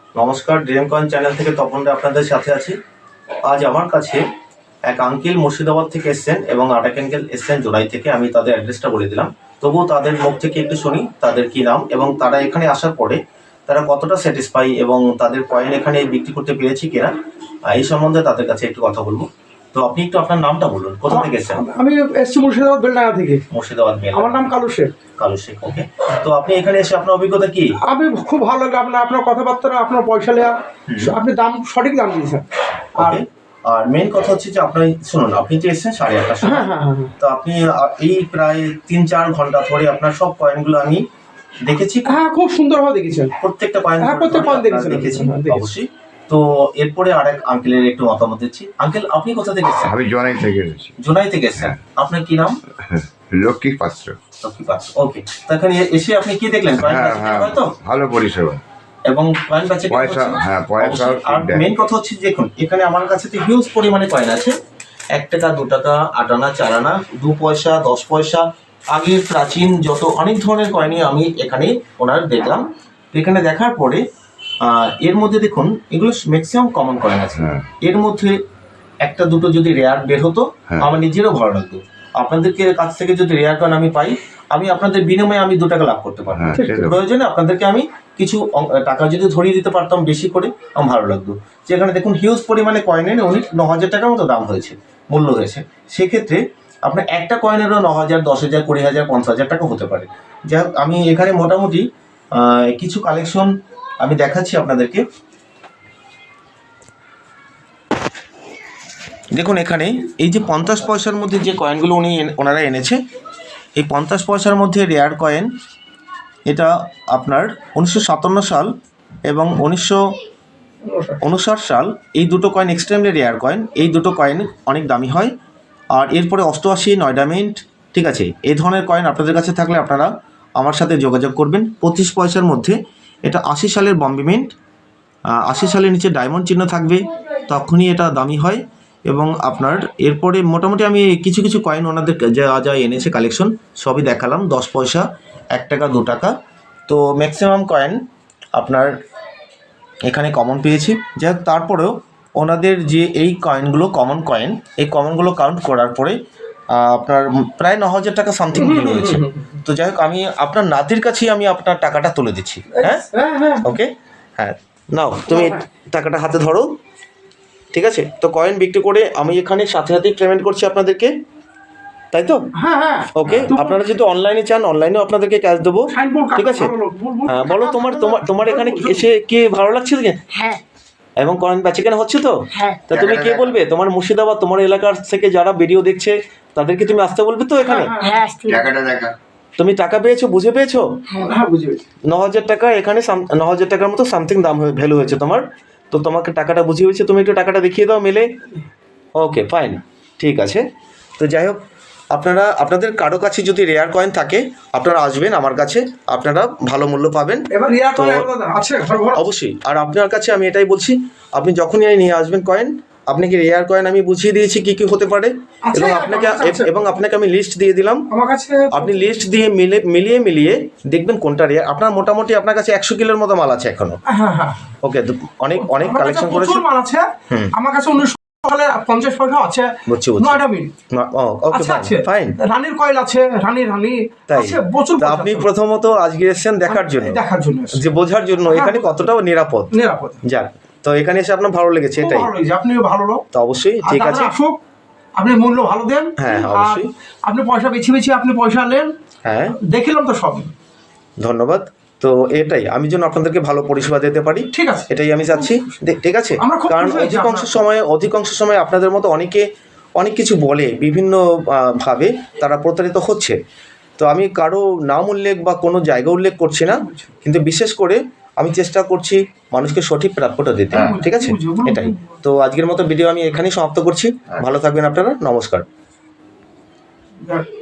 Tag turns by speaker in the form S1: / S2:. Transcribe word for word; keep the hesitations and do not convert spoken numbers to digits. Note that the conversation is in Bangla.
S1: নমস্কার, ড্রিম কয়েন চ্যানেল থেকে তপন রে আপনাদের সাথে আছি। আজ আমার কাছে এক আঙ্কেল মুর্শিদাবাদ থেকে এসছেন এবং আরেক আঙ্কেল এসছেন জোড়াই থেকে। আমি তাদের অ্যাড্রেসটা বলে দিলাম, তবুও তাদের মুখ থেকে একটু শুনি তাদের কি নাম এবং তারা এখানে আসার পরে তারা কতটা স্যাটিসফাই এবং তাদের কয়েন এখানে বিক্রি করতে পেরেছি কিনা এই সম্বন্ধে তাদের কাছে একটু কথা বলবো। তো আপনি একটু আপনার নামটা বলুন, কোথা থেকে এসেছেন?
S2: আমি এসছি মুর্শিদাবাদ বেলডাঙ্গা থেকে।
S1: মুর্শিদাবাদ বেল।
S2: আমার নাম কালু শেখ।
S1: কালু শেখ, ওকে। তো আপনি এখানে এসে আপনার অভিজ্ঞতা কি?
S2: আমি খুব ভালো লাগে আপনার আপনার কথাবার্তা, আপনার পয়সা নেওয়া, আপনি দাম সঠিক দাম দিয়েছেন। আর
S1: আর মেন কথা হচ্ছে যে আপনি শুনুন, আপনি যে এসেছেন সাড়ে আটটার সময়,
S2: হ্যাঁ হ্যাঁ হ্যাঁ,
S1: তো আপনি এই প্রায় তিন চার ঘন্টা ধরে আপনার সব কয়েনগুলো আমি দেখেছি।
S2: হ্যাঁ, খুব সুন্দরভাবে দেখেছেন
S1: প্রত্যেকটা কয়েন,
S2: হ্যাঁ প্রত্যেক কয়েন দেখেছেন
S1: দেখেছি অবশ্যই। তো এরপরে আরেক আঙ্কেলের একটু মতামত দিচ্ছি। আঙ্কেল, আপনি কোথা থেকে এসেছেন?
S3: আমি জোনাই থেকে এসেছি।
S1: জোনাই থেকে এসেছেন। আপনার কি নাম?
S3: লক্ষ্মী পাত্র।
S1: লক্ষ্মী পাত্র, ওকে। তো এখানে এসে আপনি কি দেখলেন?
S3: হ্যাঁ হ্যাঁ, ভালো পরিষেবা
S1: এবং কয়েন বেচে
S3: পয়সা, হ্যাঁ পয়সা।
S1: আর মেন কথা হচ্ছে দেখুন, এখানে আমার কাছে তো হিউজ পরিমাণে কয়েন আছে। এক টাকা, দু টাকা, আট আনা, চার আনা, দু পয়সা, দশ পয়সা, আগের প্রাচীন যত অনেক ধরনের কয়েনই আমি এখানে ওনার দেখলাম। তো এখানে দেখার পরে এর মধ্যে দেখুন এগুলো ম্যাক্সিমাম কমন কয়েন আছে। এর মধ্যে একটা দুটো যদি রেয়ার বের হতো আমার নিজেরও ভালো লাগতো। আপনাদেরকে কাছ থেকে যদি রেয়ার কয়েন আমি পাই, আমি আপনাদের বিনিময়ে আমি দু টাকা লাভ করতে পারবো। প্রয়োজনে আপনাদেরকে আমি কিছু টাকা যদি ধরিয়ে দিতে পারতাম বেশি করে, আমার ভালো লাগতো। যেখানে দেখুন হিউজ পরিমাণে কয়েনের উনি ন হাজার টাকার মতো দাম হয়েছে, মূল্য হয়েছে। সেক্ষেত্রে আপনার একটা কয়েনেরও ন হাজার, দশ হাজার, কুড়ি হাজার, পঞ্চাশ হাজার টাকা হতে পারে। যাই হোক, আমি এখানে মোটামুটি কিছু কালেকশন আমি দেখাচ্ছি আপনাদেরকে। দেখুন এখানে এই যে পঞ্চাশ পয়সার মধ্যে যে কয়েনগুলো উনি ওনারা এনেছে, এই পঞ্চাশ পয়সার মধ্যে রেয়ার কয়েন, এটা আপনার উনিশশো সাতান্ন সাল এবং উনিশশো উনষাট সাল, এই দুটো কয়েন এক্সট্রিমলি রেয়ার কয়েন। এই দুটো কয়েন অনেক দামি হয়। আর এরপরে অষ্টআশি, নয়ডা মিন্ট, ঠিক আছে, এই ধরনের কয়েন আপনাদের কাছে থাকলে আপনারা আমার সাথে যোগাযোগ করবেন। পঁচিশ পয়সার মধ্যে এটা আশি সালের বম্বে মিন্ট, আশি সালের নিচে ডায়মন্ড চিহ্ন থাকবে, তখনই এটা দামি হয়। এবং আপনার এরপরে মোটামুটি আমি কিছু কিছু কয়েন ওনাদের যা যা এনেছে কালেকশন সবই দেখালাম। দশ পয়সা, এক টাকা, দু টাকা, তো ম্যাক্সিমাম কয়েন আপনার এখানে কমন পেয়েছি। যাই হোক, তারপরেও ওনাদের যে এই কয়েনগুলো কমন কয়েন, এই কমনগুলো কাউন্ট করার পরে আপনার প্রায় ন হাজার টাকা সামথিং বিল হয়েছে। তো যাই হোক, আমি আপনার নাতির কাছেই আমি আপনার টাকাটা তুলে দিচ্ছি। হ্যাঁ ওকে, হ্যাঁ নাও তুমি টাকাটা হাতে ধরো, ঠিক আছে। তো কয়েন বিক্রি করে আমি এখানে সাথে সাথেই পেমেন্ট করছি আপনাদেরকে, তাই তো? ওকে, আপনারা যদি অনলাইনে চান অনলাইনেও আপনাদেরকে ক্যাশ দেবো, ঠিক আছে। হ্যাঁ বলো, তোমার তোমার তোমার এখানে এসে কি ভালো লাগছে?
S4: হ্যাঁ।
S1: এবং কয়েন বেচে কেনা হচ্ছে তো?
S4: হ্যাঁ।
S1: তা তুমি কে বলবে তোমার মুর্শিদাবাদ, তোমার এলাকার থেকে যারা ভিডিও দেখছে তাদেরকে তুমি আসতে বলবে তো এখানে?
S4: হ্যাঁ,
S3: টাকাটা দেখা।
S1: তুমি টাকা পেয়েছো, বুঝে পেয়েছো?
S2: হ্যাঁ বুঝে পেয়েছি।
S1: ন হাজার টাকা এখানে, ন হাজার টাকার মতো সামথিং দাম ভ্যালু হয়েছে তোমার। তো তোমাকে টাকাটা বুঝিয়ে হয়েছে, তুমি একটু টাকাটা দেখিয়ে দাও মেলে। ওকে ফাইন, ঠিক আছে। তো যাই হোক, আপনারা আপনাদের কারো কাছে যদি রেয়ার কয়েন থাকে আপনারা আসবেন আমার কাছে, আপনারা ভালো মূল্য পাবেন। অবশ্যই। আর আপনার কাছে আমি এটাই বলছি, আপনি যখনই নিয়ে আসবেন কয়েন, আপনাকে রেয়ার কয়েন আমি বুঝিয়ে দিয়েছি কি কি হতে পারে, এবং আপনাকে এবং আপনাকে আমি লিস্ট দিয়ে দিলাম। আপনি লিস্ট দিয়ে মিলে মিলিয়ে মিলিয়ে দেখবেন কোনটা রেয়ার। আপনার মোটামুটি আপনার কাছে একশো কিলোর মতো মাল আছে এখনো। ওকে, অনেক অনেক কালেকশন করেছে
S2: আমার কাছে। পঞ্চাশ পয়সা আছে, নয়ডা মিন্ট
S1: ফাইন,
S2: রানীর কয়েল আছে, রানী রানী আছে প্রচুর।
S1: আপনি প্রথমত আজকে এসেছেন দেখার জন্য,
S2: দেখার জন্য
S1: যে বোঝার জন্য এখানে কতটা নিরাপদ।
S2: নিরাপদ
S1: যাক, তো এখানে এসে আপনার ভালো লেগেছে, এটাই
S2: আপনিও ভালো লোক।
S1: তো অবশ্যই ঠিক আছে,
S2: আপনি মূল্য ভালো দেন।
S1: হ্যাঁ অবশ্যই,
S2: আপনি পয়সা বেছে বেছে আপনি পয়সা নেন।
S1: হ্যাঁ
S2: দেখিলাম তো সব।
S1: ধন্যবাদ। তো এটাই আমি যেন আপনাদেরকে ভালো পরিষেবা দিতে পারি,
S2: ঠিক আছে,
S1: এটাই আমি চাচ্ছি, ঠিক আছে। কারণ অধিকাংশ সময় অধিকাংশ সময় আপনাদের মতো অনেকে অনেক কিছু বলে, বিভিন্ন ভাবে তারা প্রতারিত হচ্ছে। তো আমি কারো নাম উল্লেখ বা কোনো জায়গা উল্লেখ করছি না, কিন্তু বিশেষ করে আমি চেষ্টা করছি মানুষকে সঠিক প্রাপ্যটা দিতে, ঠিক আছে। এটাই তো আজকের মতো ভিডিও আমি এখানেই সমাপ্ত করছি। ভালো থাকবেন আপনারা, নমস্কার।